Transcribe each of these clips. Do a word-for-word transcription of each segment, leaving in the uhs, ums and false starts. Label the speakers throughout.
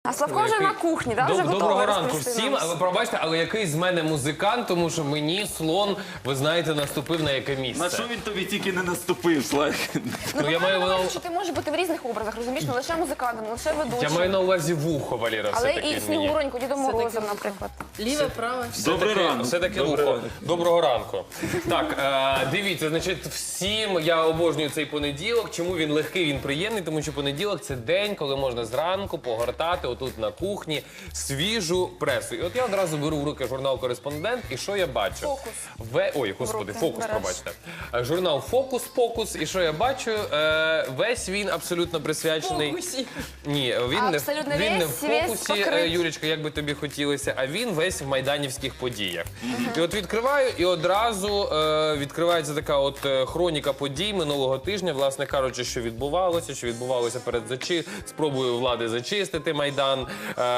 Speaker 1: А Славко вже на кухні, так? Вже готовий
Speaker 2: Доброго ранку
Speaker 1: розповісти
Speaker 2: всім.
Speaker 1: нам.
Speaker 2: Але пробачте, але який з мене музикант, тому що мені слон, ви знаєте, наступив на яке місце.
Speaker 3: На що він тобі тільки не наступив, Слайк?
Speaker 2: Ну, я маю на
Speaker 1: Говорю, що ти можеш бути в різних образах, розумієш? Не лише музикантом, не лише ведучим.
Speaker 2: я маю на увазі вухо, Валера,
Speaker 1: Але
Speaker 2: все-таки
Speaker 1: і
Speaker 2: мені.
Speaker 1: Снігуроньку, Дідом Морозом, наприклад.
Speaker 4: Ліве, праве.
Speaker 3: Добрий
Speaker 2: Все-таки-
Speaker 3: ранок.
Speaker 2: Все-таки
Speaker 3: Добрий
Speaker 2: вухо.
Speaker 3: ранок.
Speaker 2: Доброго ранку. Так, е, дивіться, значить, всім я обожнюю цей понеділок. Чому він легкий, він приємний? Тому що понеділок – це день, коли можна зранку погортати отут на кухні свіжу пресу. І от я одразу беру в руки журнал «Кореспондент», і що я бачу?
Speaker 1: Фокус.
Speaker 2: Ве... Ой, господи,
Speaker 1: руки
Speaker 2: «Фокус»,
Speaker 1: береш.
Speaker 2: пробачте. Е, Журнал «Фокус», «Фокус», і що я бачу? Е, Весь він абсолютно присвячений...
Speaker 4: Фокусі.
Speaker 2: Ні, він не, в-
Speaker 1: Абсолютно
Speaker 2: він не в
Speaker 1: весь, весь
Speaker 2: фокусі,
Speaker 1: покрит.
Speaker 2: е, Юлічка, як би тобі хотілося, а він весь в майданівських подіях. І от відкриваю, і одразу е, відкривається така от е, хроніка подій минулого тижня, власне кажучи, що відбувалося, що відбувалося перед зачи... спробою влади зачистити Майдан,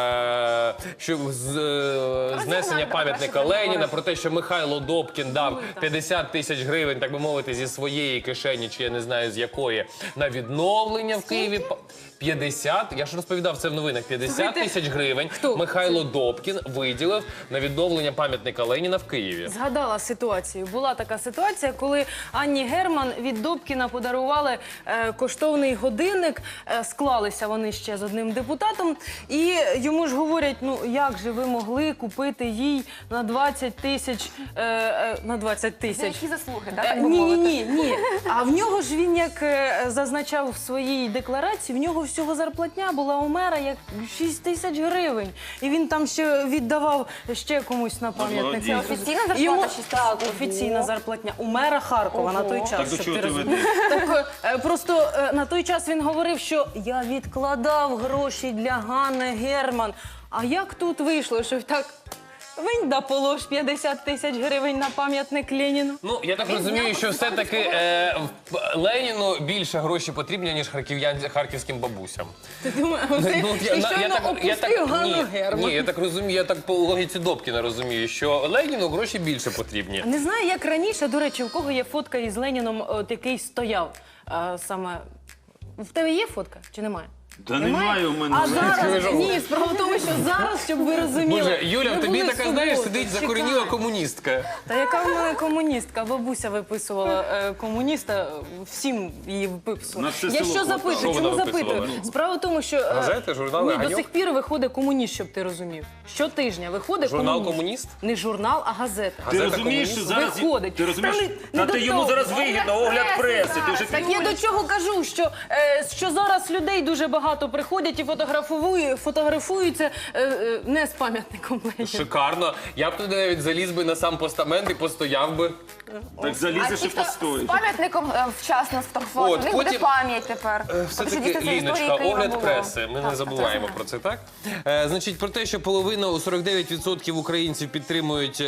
Speaker 2: е, що з, е, знесення пам'ятника Леніна, про те, що Михайло Добкін дав п'ятдесят тисяч гривень, так би мовити, зі своєї кишені, чи я не знаю з якої, на відновлення в Києві. п'ятдесят, я ж розповідав це в новинах, п'ятдесят тисяч гривень
Speaker 4: Хто?
Speaker 2: Михайло Добкін виділив на відновлення пам'ятника Леніна в Києві.
Speaker 4: Згадала ситуацію. Була така ситуація, коли Анні Герман від Добкіна подарували е, коштовний годинник. Е, склалися вони ще з одним депутатом. І йому ж говорять, ну як же ви могли купити їй на двадцять тисяч, е, е, на двадцять
Speaker 1: За
Speaker 4: тисяч.
Speaker 1: які заслуги, так?
Speaker 4: Е,
Speaker 1: так би
Speaker 4: Ні, ні,
Speaker 1: мовити?
Speaker 4: ні, ні. А в нього ж він, як е, зазначав в своїй декларації, в нього всього зарплатня була у мера як шість тисяч гривень. І він там ще віддавав ще комусь на пам'ятник.
Speaker 3: молодець.
Speaker 1: Це офіційна зарплата
Speaker 4: Йому-
Speaker 1: шість тисяч?
Speaker 4: Так, офіційна зарплатня. У мера Харкова на той час,
Speaker 3: Так до
Speaker 4: щоб
Speaker 3: чого
Speaker 4: ти
Speaker 3: ти
Speaker 4: розумів.
Speaker 3: ведеш?
Speaker 4: Так, е, просто е, на той час він говорив, що я відкладав гроші для Ганни Герман. А як тут вийшло, що так винь да полож п'ятдесят тисяч гривень на пам'ятник Леніну?
Speaker 2: Ну, я так розумію, що все-таки е, в- Леніну більше грошей потрібні, ніж харків'ян- харківським бабусям.
Speaker 4: Ти думаєш,
Speaker 2: Ну,
Speaker 4: ти,
Speaker 2: от я-
Speaker 4: ти
Speaker 2: на-
Speaker 4: щойно опустив Ганну
Speaker 2: ні,
Speaker 4: Герман.
Speaker 2: ні, я так розумію, я так по логіці Добкіна розумію, що Леніну гроші більше потрібні.
Speaker 4: Не знаю, як раніше, до речі, у кого є фотка із Леніном, от, який стояв е, саме. В тебе є фотка чи немає?
Speaker 3: Та немає у мене.
Speaker 4: А зараз, ні, справа в тому, що зараз, щоб ви розуміли.
Speaker 2: Боже, Юля,
Speaker 4: ми
Speaker 2: в тобі
Speaker 4: були
Speaker 2: така,
Speaker 4: в
Speaker 2: знаєш,
Speaker 4: суботу.
Speaker 2: сидить
Speaker 4: Чекай.
Speaker 2: закорініла комуністка.
Speaker 4: Та яка в мене комуністка? Бабуся виписувала е, комуніста, всім її виписувала.
Speaker 3: На все
Speaker 4: Я
Speaker 3: село
Speaker 4: що
Speaker 3: хватало.
Speaker 4: запитую?
Speaker 2: Що
Speaker 4: Чому
Speaker 2: вона
Speaker 4: запитую?
Speaker 2: виписувала?
Speaker 4: Справа в тому, що е,
Speaker 2: Газети, журнали,
Speaker 4: ні, до
Speaker 2: «Ганьок»?
Speaker 4: сих пір виходить комуніст, щоб ти розумів. Щотижня виходить
Speaker 2: Журнал
Speaker 4: комуніст.
Speaker 2: «Комуніст»?
Speaker 4: Не журнал, а газета.
Speaker 3: Ти
Speaker 2: Газета
Speaker 3: розумієш, що
Speaker 2: «Комуніст»?
Speaker 3: зараз...
Speaker 4: Виходить.
Speaker 3: Ти розумієш?
Speaker 4: Та не- не
Speaker 3: Та
Speaker 4: до
Speaker 3: ти йому
Speaker 4: того.
Speaker 3: зараз вигідно, огляд преси. Ти вже
Speaker 4: Так я до чого кажу, що, е, що зараз людей дуже багато приходять і фотографують, фотографуються е, е, не з пам'ятником Леніна.
Speaker 2: Шикарно. Я б туди навіть заліз би на сам постамент і постояв би.
Speaker 3: Так
Speaker 1: А
Speaker 3: залізеш
Speaker 1: ті,
Speaker 3: і
Speaker 1: хто з
Speaker 3: постоїш.
Speaker 1: пам'ятником е, вчасно сфотографував,
Speaker 2: От,
Speaker 1: у них буде
Speaker 2: потім-
Speaker 1: пам'ять тепер. Тому що
Speaker 2: Все-таки,
Speaker 1: дійсно це історії
Speaker 2: Ліночка,
Speaker 1: Києва
Speaker 2: огляд
Speaker 1: було.
Speaker 2: преси. Ми
Speaker 1: Так,
Speaker 2: не забуваємо
Speaker 1: так,
Speaker 2: про це, так? Е, значить, про те, що половина, сорок дев'ять відсотків українців підтримують е,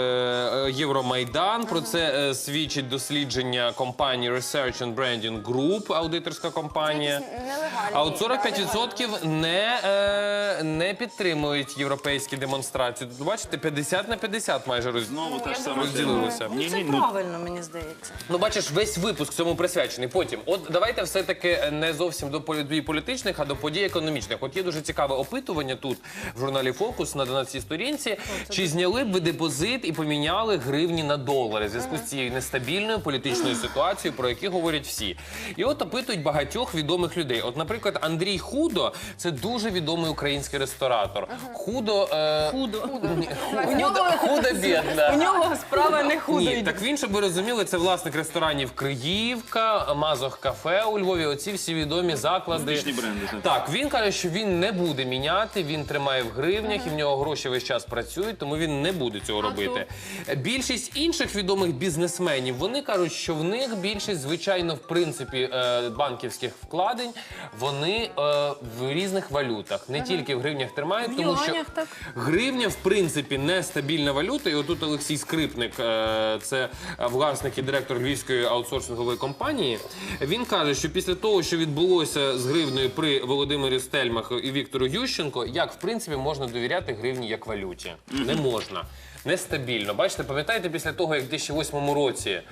Speaker 2: е, Євромайдан. Про це е, свідчить дослідження компанії Research and Branding Group, аудиторська компанія.
Speaker 1: Якісь нелегальні,
Speaker 2: А от сорок п'ять
Speaker 1: да,
Speaker 2: відсотків не, е, не підтримують європейські демонстрації. Тут, бачите, п'ятдесят на п'ятдесят майже роз...
Speaker 3: Знову та ж сама
Speaker 2: розділилося.
Speaker 3: Ні,
Speaker 4: Це
Speaker 3: ні, ну
Speaker 4: правильно, мені здається.
Speaker 2: Ну, бачиш, весь випуск цьому присвячений. Потім, от давайте все-таки не зовсім до подій політичних, а до подій економічних. От є дуже цікаве опитування тут, в журналі «Фокус» на дванадцятій сторінці. Чи зняли б ви депозит і поміняли гривні на долари в зв'язку з цією нестабільною політичною ситуацією, про яку говорять всі. І от опитують багатьох відомих людей. От, наприклад, Андрій Худо – це дуже відомий український ресторатор. Худо... Е...
Speaker 4: Худо.
Speaker 2: Ні, Худо, худо-бідна.
Speaker 4: У нього справа не худо
Speaker 2: Ні,
Speaker 4: йде.
Speaker 2: так він, щоб ви розуміли, це власник ресторанів Криївка, Мазох кафе у Львові, оці всі відомі заклади.
Speaker 3: Успішні бренди, так.
Speaker 2: Так, він каже, що він не буде міняти, він тримає в гривнях, і в нього гроші весь час працюють, тому він не буде цього робити. Більшість інших відомих бізнесменів, вони кажуть, що в них більшість, звичайно, в принципі, е, банківських вкладень, вони е, в різних валютах, не тільки в гривнях тримають,
Speaker 4: В
Speaker 2: тому що
Speaker 4: юанях, так.
Speaker 2: гривня, в принципі, нестабільна валюта. І отут Олексій Скрипник, е, це власник і директор львівської аутсорсингової компанії, він каже, що після того, що відбулося з гривнею при Володимирі Стельмах і Віктору Ющенко, як, в принципі, можна довіряти гривні як валюті? Не можна. нестабільно. Бачите, пам'ятаєте, після того, як в дві тисячі восьмому році е,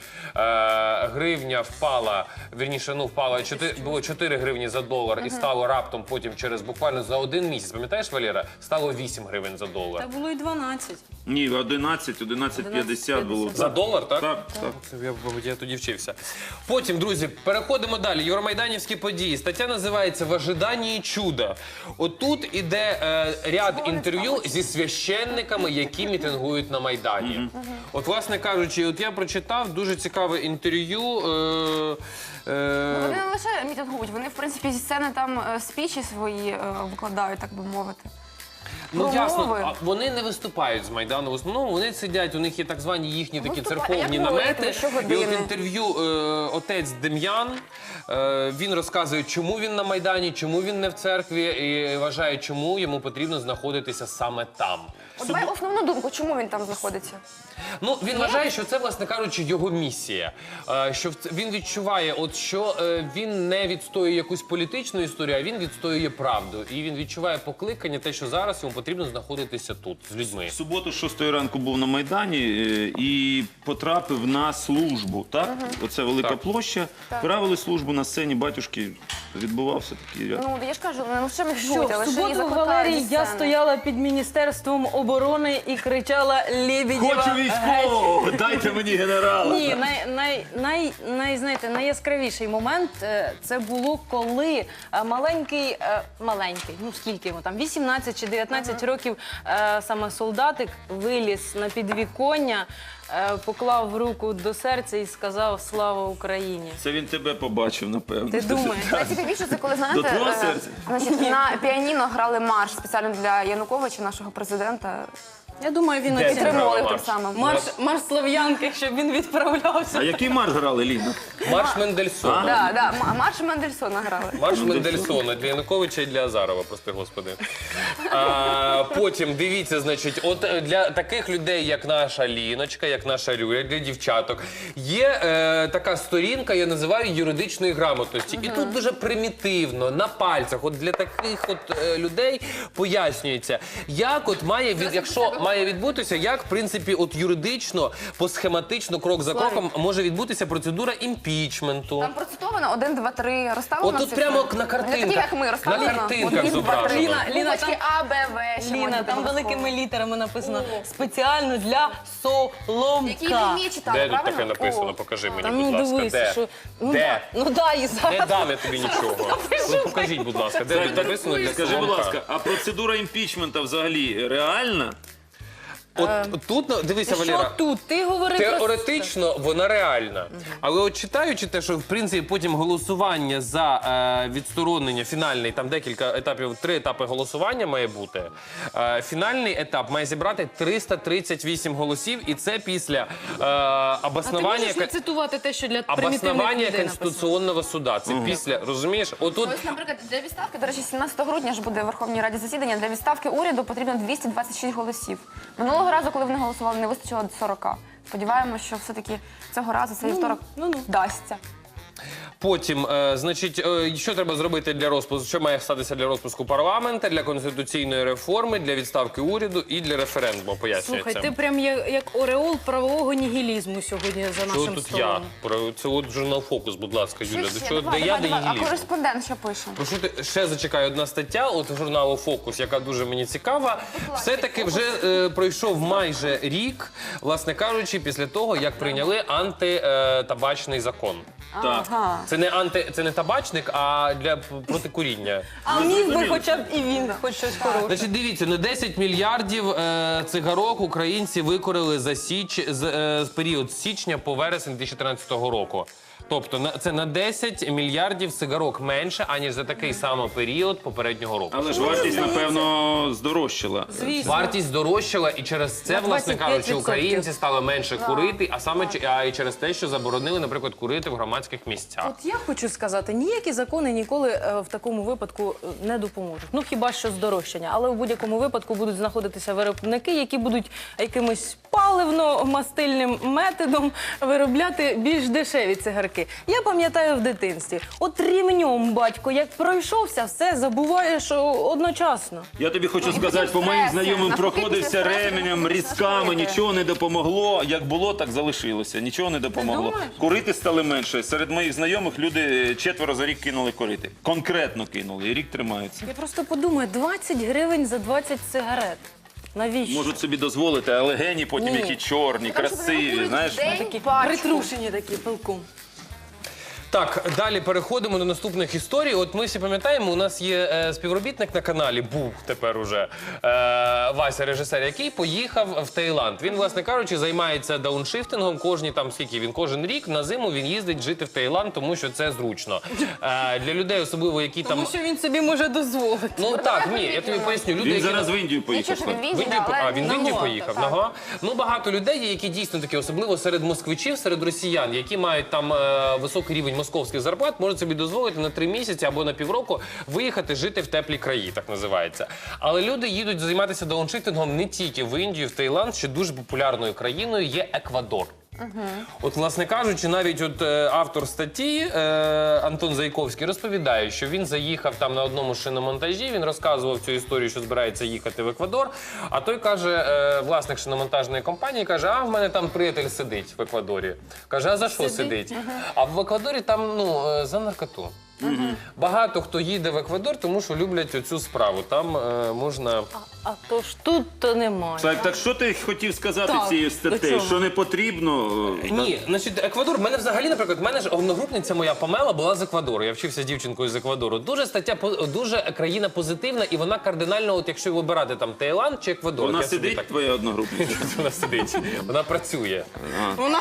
Speaker 2: гривня впала, вірніше, ну, впала, чотири, було чотири гривні за долар і стало раптом потім через буквально за один місяць, пам'ятаєш, Валера, стало вісім гривень за долар.
Speaker 4: Та було і дванадцять.
Speaker 3: Ні, одинадцять, одинадцять п'ятдесят було.
Speaker 2: За долар, так?
Speaker 3: Так, так.
Speaker 2: Це Я, мабуть, я тоді вчився. Потім, друзі, переходимо далі. Євромайданівські події. Стаття називається «В ожиданні чуда». Отут іде е, ряд інтерв'ю зі священниками, які мітингують на Майдані. От, власне кажучи, от я прочитав дуже цікаве інтерв'ю. Е, е,
Speaker 1: Вони не лише мітингують, вони, в принципі, зі сцени там е, спічі свої е, викладають, так би мовити.
Speaker 2: Ну,
Speaker 1: Промови.
Speaker 2: ясно, а вони не виступають з Майдану. В основному вони сидять, у них є так звані їхні такі
Speaker 1: Виступають.
Speaker 2: церковні
Speaker 1: А як
Speaker 2: намети.
Speaker 1: молитви?
Speaker 2: І
Speaker 1: Щогодини?
Speaker 2: от інтерв'ю е, отець Дем'ян, е, він розказує, чому він на Майдані, чому він не в церкві, і вважає, чому йому потрібно знаходитися саме там.
Speaker 1: От давай основну думку, чому він там знаходиться?
Speaker 2: Ну, він вважає, що це, власне кажучи, його місія. Е, Що в ц- він відчуває, от що е, він не відстоює якусь політичну історію, а він відстоює правду. І він відчуває покликання, те, що зараз йому потрібно знаходитися тут, з людьми.
Speaker 3: В суботу, з шостої ранку був на Майдані е, і потрапив на службу, так? Оце велика
Speaker 2: Так.
Speaker 3: площа. Правили службу на сцені батюшки. Відбувався такий ряд.
Speaker 1: Ну, я ж кажу, не лише
Speaker 4: Що,
Speaker 1: мітингують, а
Speaker 4: в
Speaker 1: лише і
Speaker 4: суботу,
Speaker 1: закликають
Speaker 4: Валерій,
Speaker 1: зі
Speaker 4: я
Speaker 1: сцени.
Speaker 4: стояла під Міністерством оборони і кричала «Лебедєва,
Speaker 3: Хочу військового! Дайте мені генерала!
Speaker 4: Ні, най, най, най, най, знаєте, найяскравіший момент е, це було, коли е, маленький, е, маленький, ну скільки йому там, вісімнадцять чи дев'ятнадцять років, е, саме солдатик виліз на підвіконня, е, поклав руку до серця і сказав «Слава Україні».
Speaker 3: Це він тебе побачив, напевно.
Speaker 4: Ти думаєш?
Speaker 1: Найцікавіше, це коли, знаєте,
Speaker 3: До твого
Speaker 1: е,
Speaker 3: серця?
Speaker 1: значить, на піаніно грали марш спеціально для Януковича, нашого президента.
Speaker 4: Я думаю, він
Speaker 2: Де
Speaker 4: оцінив.
Speaker 1: Підтримували
Speaker 2: марш?
Speaker 1: тим самим.
Speaker 4: Марш, марш Слов'янки, щоб він відправлявся.
Speaker 3: А який марш грали, Ліна?
Speaker 2: Марш Мендельсона.
Speaker 1: Да, да, м- марш Мендельсона грали.
Speaker 2: Марш Мендельсона для Януковича і для Азарова, прости господи. А, потім, дивіться, значить, от е, для таких людей, як наша Ліночка, як наша Люля, для дівчаток, є е, така сторінка, я називаю юридичної грамотності. І тут дуже примітивно, на пальцях, от для таких от е, людей пояснюється, як от має, від, якщо має відбутися, як, в принципі, от юридично, посхематично, крок за кроком може відбутися процедура імпічменту.
Speaker 1: Там процитовано один, два, три, розставлено.
Speaker 2: Отут
Speaker 1: всі
Speaker 2: прямо
Speaker 1: цифри.
Speaker 2: на
Speaker 1: Не такі,
Speaker 2: картинках.
Speaker 1: як ми,
Speaker 2: На
Speaker 1: розставлено.
Speaker 2: картинках
Speaker 1: один, два, три.
Speaker 2: зображено.
Speaker 4: Ліна, Ліна,
Speaker 1: Буквочки А, Б, В. ще
Speaker 4: Ліна,
Speaker 1: можуть
Speaker 4: там
Speaker 1: бути
Speaker 4: великими
Speaker 1: обов'язково.
Speaker 4: літерами написано «Спеціально для Соломка».
Speaker 1: Які ви вміє читати,
Speaker 2: Де тут
Speaker 1: правильно?
Speaker 2: таке написано?
Speaker 1: О.
Speaker 2: Покажи мені,
Speaker 4: Там
Speaker 2: будь
Speaker 4: ну,
Speaker 2: ласка.
Speaker 4: дивись,
Speaker 2: Де?
Speaker 4: що... Ну,
Speaker 2: Де?
Speaker 4: да, ну да, і зараз.
Speaker 2: Не дам я тобі нічого. Ну, покажіть, будь ласка, де тут написано для
Speaker 3: Скажи, будь
Speaker 2: Соломка?
Speaker 3: ласка, а процедура імпічмента взагалі реальна?
Speaker 2: От тут, ну, дивися,
Speaker 4: Що
Speaker 2: Валера.
Speaker 4: тут? Ти говори про...
Speaker 2: Теоретично вона реальна. Але от читаючи те, що в принципі потім голосування за е, відсторонення, фінальний, там декілька етапів, три етапи голосування має бути. Е, фінальний етап має зібрати триста тридцять вісім голосів, і це після е,
Speaker 4: А ти
Speaker 2: обоснування...
Speaker 4: можеш не цитувати те, що для примітивних
Speaker 2: Обоснування
Speaker 4: людей написано?
Speaker 2: Конституційного суда. Це після, розумієш? Отут
Speaker 1: Ось, наприклад, для відставки, до речі, сімнадцятого грудня ж буде в Верховній Раді засідання, для відставки уряду потрібно двісті двадцять шість голосів. Минулого разу, коли вони голосували, не вистачило сорока. Сподіваємося, що все-таки цього разу цей вівторок
Speaker 4: ну-ну.
Speaker 1: вдасться.
Speaker 2: потім, е, значить, е, що треба зробити для розпуску, що має статися для розпуску парламенту, для конституційної реформи, для відставки уряду і для референдуму, пояснюється.
Speaker 4: Слухай, ти прям як, як ореол правового нігілізму сьогодні за
Speaker 2: Що
Speaker 4: нашим
Speaker 2: тут
Speaker 4: столом.
Speaker 2: я? Про це от журнал «Фокус», будь ласка, Юля.
Speaker 1: Що
Speaker 2: До
Speaker 1: ще?
Speaker 2: чого,
Speaker 1: Давай,
Speaker 2: де я,
Speaker 1: давай,
Speaker 2: де
Speaker 1: давай. А
Speaker 2: нігілізм?
Speaker 1: кореспондент що пише?
Speaker 2: Прошу ти, ще зачекай одна стаття от журналу «Фокус», яка дуже мені цікава. Все-таки вже е, пройшов майже рік, власне кажучи, після того, як прийняли антитабачний закон.
Speaker 3: Так.
Speaker 1: Ага.
Speaker 2: Це не анти, це не табачник, а для п- протикуріння.
Speaker 4: А міг би хоча б і він, хоч щось хороше.
Speaker 2: Значить, дивіться, на десять мільярдів е, цигарок українці викорили за січ з, е, з період з січня по вересень дві тисячі тринадцятого року. Тобто на це на десять мільярдів цигарок менше, аніж за такий самий період попереднього року.
Speaker 3: Але ж вартість, напевно, здорожчала.
Speaker 4: Звісно.
Speaker 2: Вартість здорожчала, і через це,
Speaker 4: На
Speaker 2: власне
Speaker 4: двадцять п'ять
Speaker 2: кажучи,
Speaker 4: відсотків.
Speaker 2: українці стали менше курити, а саме ч- а і через те, що заборонили, наприклад, курити в громадських місцях.
Speaker 4: От я хочу сказати, ніякі закони ніколи е, в такому випадку е, не допоможуть. Ну хіба що здорожчання, але в будь-якому випадку будуть знаходитися виробники, які будуть якимось паливно-мастильним методом виробляти більш дешеві цигарки. навпаки. Я пам'ятаю в дитинстві, от рівнем батько, як пройшовся, все забуваєш одночасно.
Speaker 3: Я тобі хочу
Speaker 1: Ну, і
Speaker 3: сказати,
Speaker 1: потім
Speaker 3: по моїм
Speaker 1: стреси.
Speaker 3: знайомим
Speaker 1: Навпаки,
Speaker 3: проходився
Speaker 1: після стресу
Speaker 3: ременем,
Speaker 1: можна
Speaker 3: різками,
Speaker 1: зашкодити.
Speaker 3: нічого не допомогло. Як було, так залишилося. Нічого не допомогло.
Speaker 4: думаєш?
Speaker 3: Курити стали менше. Серед моїх знайомих люди четверо за рік кинули курити. Конкретно кинули, і рік тримаються.
Speaker 4: Я просто подумаю, двадцять гривень за двадцять сигарет. Навіщо?
Speaker 3: Можуть собі дозволити, але гені потім
Speaker 4: Ні.
Speaker 3: які чорні,
Speaker 1: Тому що вони
Speaker 3: красиві,
Speaker 1: курять
Speaker 3: знаєш.
Speaker 1: в день
Speaker 4: Такі
Speaker 1: пачку.
Speaker 4: притрушені такі пилком.
Speaker 2: Так, далі переходимо до наступних історій. От ми всі пам'ятаємо, у нас є е, співробітник на каналі, був тепер уже е, Вася, режисер, який поїхав в Таїланд. Він, власне кажучи, займається дауншифтингом. Кожні там скільки він кожен рік на зиму він їздить жити в Таїланд, тому що це зручно. Е, для людей, особливо які там.
Speaker 4: Тому що він собі може дозволити.
Speaker 2: Ну так, ні, я тобі поясню. Люди,
Speaker 3: Він
Speaker 2: які
Speaker 3: зараз в Індію поїхав.
Speaker 1: Нічого, що він в
Speaker 2: В
Speaker 1: Індії,
Speaker 2: Індію,
Speaker 1: да,
Speaker 2: а
Speaker 1: але
Speaker 2: він в Індію
Speaker 1: нагодно,
Speaker 2: поїхав.
Speaker 1: так.
Speaker 2: Ага. Ну багато людей є, які дійсно такі, особливо серед москвичів, серед росіян, які мають там е, високий рівень московських зарплат, можуть собі дозволити на три місяці або на півроку виїхати жити в теплі краї, так називається. Але люди їдуть займатися дауншифтингом не тільки в Індію, в Таїланд, ще дуже популярною країною є Еквадор. От, власне кажучи, навіть от е, автор статті е, Антон Зайковський розповідає, що він заїхав там на одному шиномонтажі, він розказував цю історію, що збирається їхати в Еквадор, а той каже, е, власник шиномонтажної компанії, каже, а в мене там приятель сидить в Еквадорі. Каже, а за що сидить? А в Еквадорі там, ну, е, за наркоту. Багато хто їде в Еквадор, тому що люблять оцю справу. Там е, можна...
Speaker 4: А то ж тут то немає.
Speaker 3: Так, так що ти хотів сказати
Speaker 4: Так,
Speaker 3: цією
Speaker 4: до
Speaker 3: статтею?
Speaker 4: чого?
Speaker 3: Що не потрібно? е,
Speaker 2: Ні, значить, Еквадор, в мене взагалі, наприклад, в мене ж одногрупниця моя Памела була з Еквадору. Я вчився з дівчинкою з Еквадору. Дуже стаття, по- дуже країна позитивна, і вона кардинально, от якщо вибирати там Таїланд чи Еквадор.
Speaker 3: Вона
Speaker 2: я собі
Speaker 3: сидить,
Speaker 2: так-
Speaker 3: твоя одногрупниця?
Speaker 2: Вона сидить, вона працює.
Speaker 4: Вона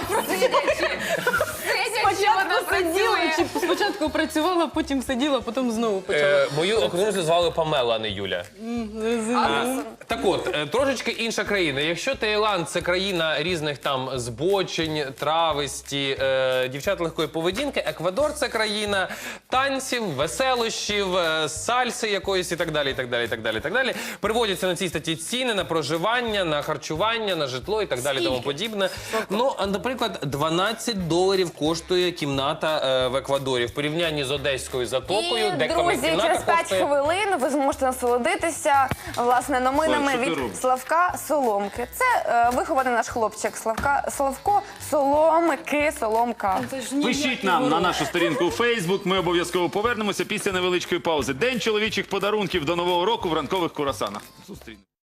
Speaker 4: спочатку сиділа, чи спочатку працювала, потім сиділа, потім знову почала.
Speaker 2: Е, мою охоронцю звали Памела, а не Юля.
Speaker 1: А,
Speaker 2: Так от, е, трошечки інша країна. Якщо Таїланд це країна різних там збочень, трависті, е, дівчат легкої поведінки, Еквадор це країна танців, веселощів, е, сальси якоїсь і так далі, і так далі, і так далі, і так далі. Приводяться на цій статті ціни на проживання, на харчування, на житло і так далі, тому подібне. Ну, а, наприклад, дванадцять доларів коштує кімната е, в Еквадорі в порівнянні з одеською затокою,
Speaker 1: І,
Speaker 2: де
Speaker 1: друзі,
Speaker 2: кімната
Speaker 1: через п'ять
Speaker 2: коштує...
Speaker 1: хвилин ви зможете насолодитися власне новинами
Speaker 3: Слав, що ти
Speaker 1: від
Speaker 3: робиш?
Speaker 1: Славка Соломки. Це е, вихований наш хлопчик Славка Славко Соломки Соломка.
Speaker 4: Це ж ніякі
Speaker 3: Пишіть нам на
Speaker 4: ворота.
Speaker 3: нашу сторінку у Фейсбук. Ми обов'язково повернемося після невеличкої паузи. День чоловічих подарунків до Нового року в ранкових курасанах. Зустрінемося.